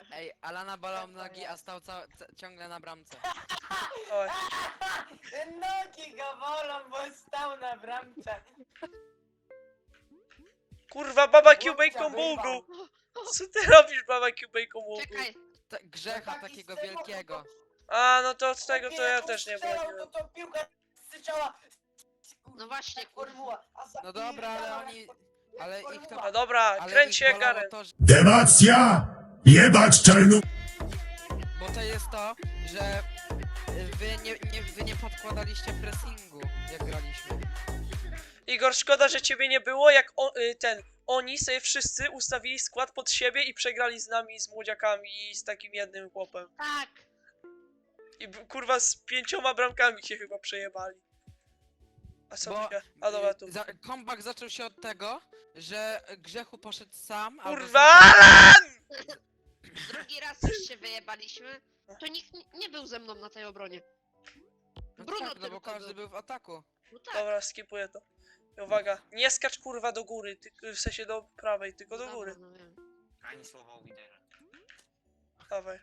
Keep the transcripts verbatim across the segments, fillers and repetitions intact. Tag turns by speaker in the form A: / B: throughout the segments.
A: Ej, Alana bolał nogi, a stał ca ca ciągle na bramce.
B: Oj.
C: Nogi go bolą, bo stał na bramce.
B: Kurwa, baba Q
C: Chłopca
B: bacon
C: wyrwał.
B: bugu! Co ty robisz, baba Q bacon bugu?
D: Czekaj,
A: Ta grzecha
C: Taki
A: takiego
C: strzał,
A: wielkiego.
B: A, no to z tego to
C: Chłopie,
B: ja
C: jak on
B: też nie
C: strzelał,
B: byłem.
C: To, to piłka strzała.
D: no właśnie,
C: Jak formuła. A za-
A: No dobra, ale
C: jak
A: oni-
C: for-
A: ale
C: jak
A: ich to-
C: formuła.
B: No dobra,
A: Ale
B: kręć
A: ich
B: się jak
A: bolało
B: Garen.
A: to, że...
E: Demacja! Jebać czarnu...
A: Bo to jest to, że wy nie, nie, wy nie podkładaliście pressingu, jak graliśmy.
B: Igor, szkoda, że ciebie nie było, jak o, y, ten, oni sobie wszyscy ustawili skład pod siebie i przegrali z nami, z młodziakami i z takim jednym chłopem.
D: tak.
B: I b- kurwa z pięcioma bramkami się chyba przejebali. A co
A: Bo
B: się... A dobra, tu.
A: y, za, comeback zaczął się od tego, że Grzechu poszedł sam, albo
B: Kurwa,
A: z-
B: Alan!
D: Drugi raz już się wyjebaliśmy. To nikt nie- nie był ze mną na tej obronie.
A: No
D: Bruno
A: tak, no bo
D: tylko
A: każdy
D: był.
A: był w ataku.
D: No tak.
B: Dobra, skipuję to. I uwaga, nie skacz kurwa do góry, ty, w sensie do prawej, tylko do
D: Dobra,
B: góry.
D: no wiem.
F: Ani słowa o lidera.
B: Dawaj.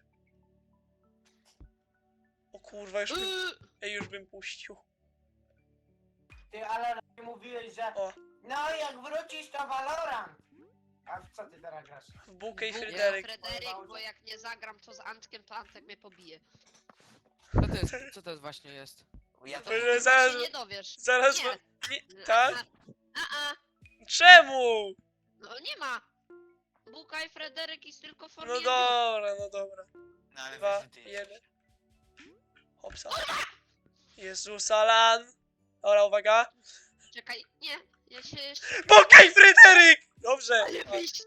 B: O kurwa, już bym,
D: Yy,
B: ej, już bym puścił.
C: Ty, ale mówiłeś, że...
B: O.
C: No jak wrócisz to Valorant. A w co ty teraz grasz?
B: W bukę i
D: Bóg,
B: Fryderyk.
D: Fryderyk, bo jak nie zagram to z Antkiem, to Antek mnie pobije.
A: Co to jest, co to jest właśnie jest?
F: Ja to...
B: Że
D: Chyba
B: zaraz-
D: się nie dowiesz.
B: Zaraz...
D: Nie.
B: ma- Nie, tak?
D: A, a,
B: Czemu?
D: no nie ma. Buka i Fryderyk jest tylko w formie
B: No
D: jedną.
B: dobra, no dobra.
F: No ale
B: Dwa,
F: wiesz, że ty jesteś.
B: jeden. Hopsa. Jezus, Alan. Dobra, uwaga.
D: Czekaj, nie. Ja się jeszcze...
B: Buka i Fryderyk! Dobrze.
D: Ale wyjście.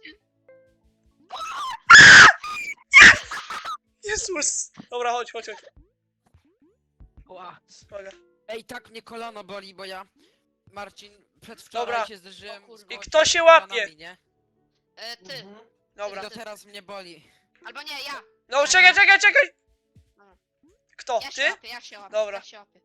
B: Jezus. Dobra, chodź, chodź, chodź.
A: Ła.
B: Uwaga.
A: Ej, tak mnie kolano boli, bo ja... Marcin, przedwczoraj
B: Dobra.
A: się zderzyłem
D: O kurwa.
A: z
D: I
A: gościem
B: kto się
A: z
B: łapie?
A: kolanami, nie?
D: E, ty.
C: Mhm.
B: Dobra.
A: I do teraz mnie boli.
D: Albo nie, ja.
B: No czekaj, czekaj, czekaj! Kto?
D: Ja się
B: Ty?
D: łapię, ja się łapię.
B: Dobra.
D: Ja się łapię.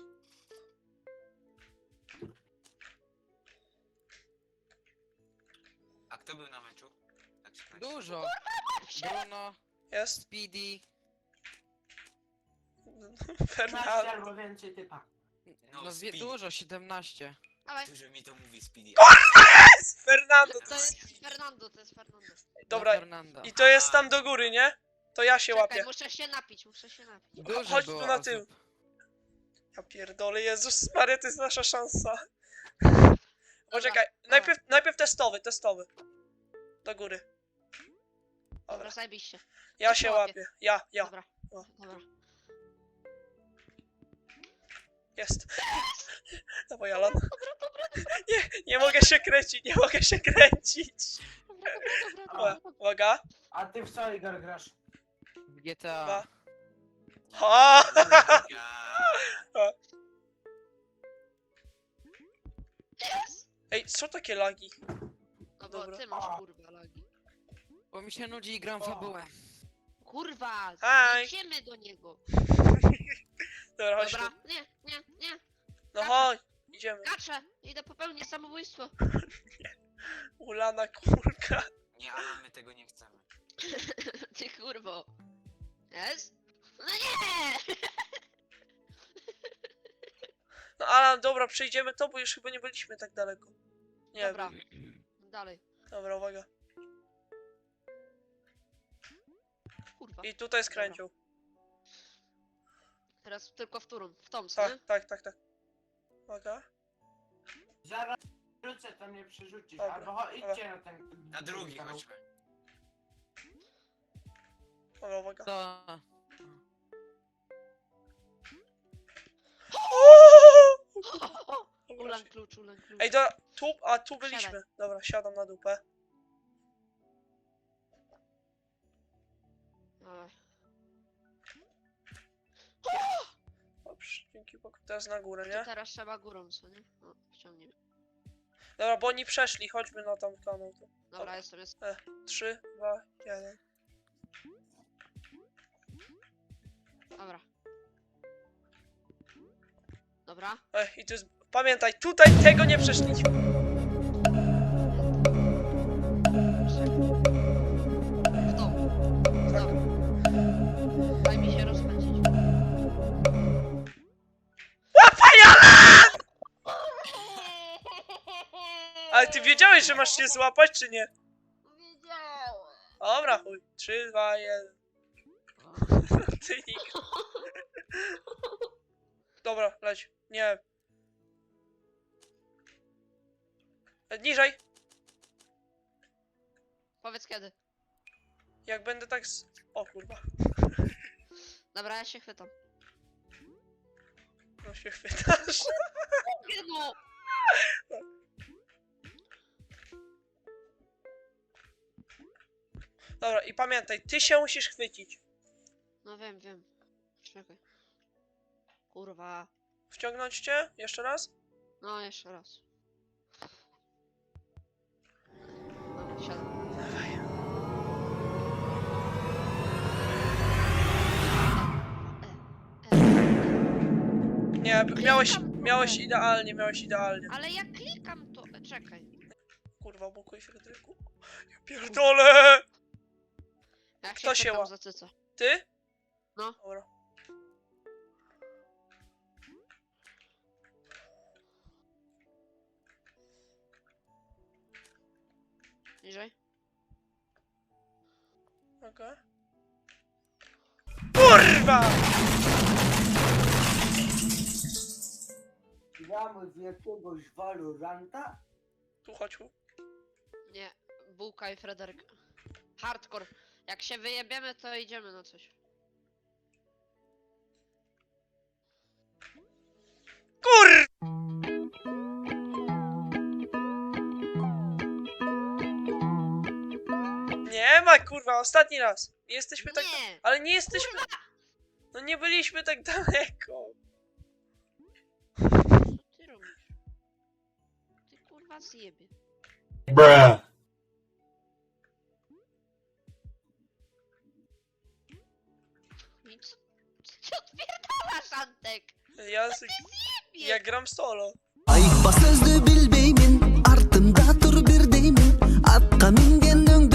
F: A kto był na meczu? Tak się kończy.
A: Dużo. Bruno,
B: Jest?
A: Speedy.
C: piętnaście
B: Fernando.
C: albo więcej typa.
F: No,
A: No wie,
F: Speedy.
A: dużo, siedemnaście.
D: Dawaj.
F: Dużo mi to mówi Speedy.
B: Fernando.
D: To jest Fernando, to jest Fernando.
B: Dobra.
A: Na Fernanda.
B: I to jest tam do góry, nie? To ja się
D: Czekaj,
B: łapię.
D: muszę się napić, muszę się napić.
A: Dużo
B: Chodź
A: było
B: tu na
A: osób.
B: tył. Ja pierdolę, Jezus Maria, to jest nasza szansa. Poczekaj, najpierw, najpierw testowy, testowy. Do góry.
D: Dobra,
B: Dobra,
D: zajebiście.
B: ja
D: to
B: się
D: się łapie.
B: łapię. Ja, ja.
D: Dobra,
B: O.
D: dobra.
B: Jest. Dawaj, Alan. Nie, nie mogę się kręcić, nie mogę się kręcić.
D: Dobra, dobra, dobra,
B: Ua-
D: dobra.
B: Uwaga.
C: A ty w co, Igor, grasz?
A: W G T A.
B: Dwa. Ha!
F: Ja...
D: Yes!
B: Ej, co takie lagi?
D: No bo
B: Dobra.
D: ty masz
C: A.
D: kurwa lagi.
A: Bo mi się nudzi i gram
C: O.
A: fabułę.
D: Kurwa,
B: Aj.
D: idziemy do niego.
B: Dobra, chodź
D: Dobra,
B: tu.
D: nie, nie, nie.
B: No chodź, idziemy.
D: Kaczę, idę popełnić samobójstwo.
B: Ulana kurka.
F: Nie, ale my tego nie chcemy.
D: Ty kurwo. Jest? No nie!
B: No Alan, dobra, przejdziemy to, bo już chyba nie byliśmy tak daleko. Nie
D: Dobra,
B: wiem.
D: dalej.
B: Dobra, uwaga.
D: Kurwa.
B: I tutaj skręcił.
D: Teraz tylko w którą? W tą, co
B: Tak,
D: nie?
B: tak, tak, tak. Uwaga.
C: Zaraz wrócę, to mnie przerzucisz.
B: Dobra,
C: Albo cho- idźcie na ten...
F: Na drugi chodźmy.
B: Uwaga, uwaga.
A: To...
D: Ulan klucz, ulan klucz.
B: Ej, dobra, tu, a tu
D: Siadaj.
B: byliśmy. Dobra, siadam na dupę.
D: Dawaj.
B: Dobrze, dzięki Bogu. Teraz na górę,
D: To
B: nie?
D: teraz trzeba górą, co nie? O, ściągniemy.
B: Dobra, bo oni przeszli, chodźmy na tam kanał. To.
D: Dobra, jestem, jest.
B: Trzy, dwa, jeden.
D: Dobra. Dobra.
B: Ej, i tu jest... Pamiętaj, tutaj tego nie przeszliśmy.
D: W tą.
B: Tak. wiedziałeś, że masz się złapać, czy nie?
D: Wiedziałem.
B: Dobra, chuj. trzy, dwa, jeden. Ty nikt. Dobra, leć. Nie. E, Niżej.
D: Powiedz kiedy.
B: Jak będę tak z... O kurwa.
D: Dobra, ja się chwytam.
B: No się chwytasz.
D: No.
B: Dobra, i pamiętaj, ty się musisz chwycić.
D: No wiem, wiem. Czekaj. Kurwa.
B: Wciągnąć cię? Jeszcze raz?
D: No, jeszcze raz. No, siadam.
B: Dawaj.
D: E, e, e.
B: Nie, miałeś,
D: Klikam.
B: miałeś idealnie, miałeś idealnie.
D: Ale jak klikam to... e, Czekaj.
B: Kurwa, blokuj Fryderyku. Ja pierdolę!
D: Jak
B: Kto się
D: chwytam
B: ła-
D: za cycę.
B: Ty?
D: No.
B: Dobra.
D: Niżej.
B: Okej. Kurwa!
C: Gramy w jakiegoś Valoranta?
B: Tu chodź. tu.
D: Nie. Bułka i Fryderyk. Hardcore. Jak się wyjebiemy, to idziemy na coś.
B: Kur... Nie ma kurwa, ostatni raz. Nie jesteśmy tak...
D: Nie!
B: Ale nie jesteśmy... No nie byliśmy tak daleko.
D: Co ty robisz? Ty kurwa zjebie.
E: Bruh.
D: Nic. Co odpierdalasz, Antek?
B: Ja, z... ja gram solo.
G: Ayıkba sözlü bilbeymin ardımda dur bir deyimin atqa mingenning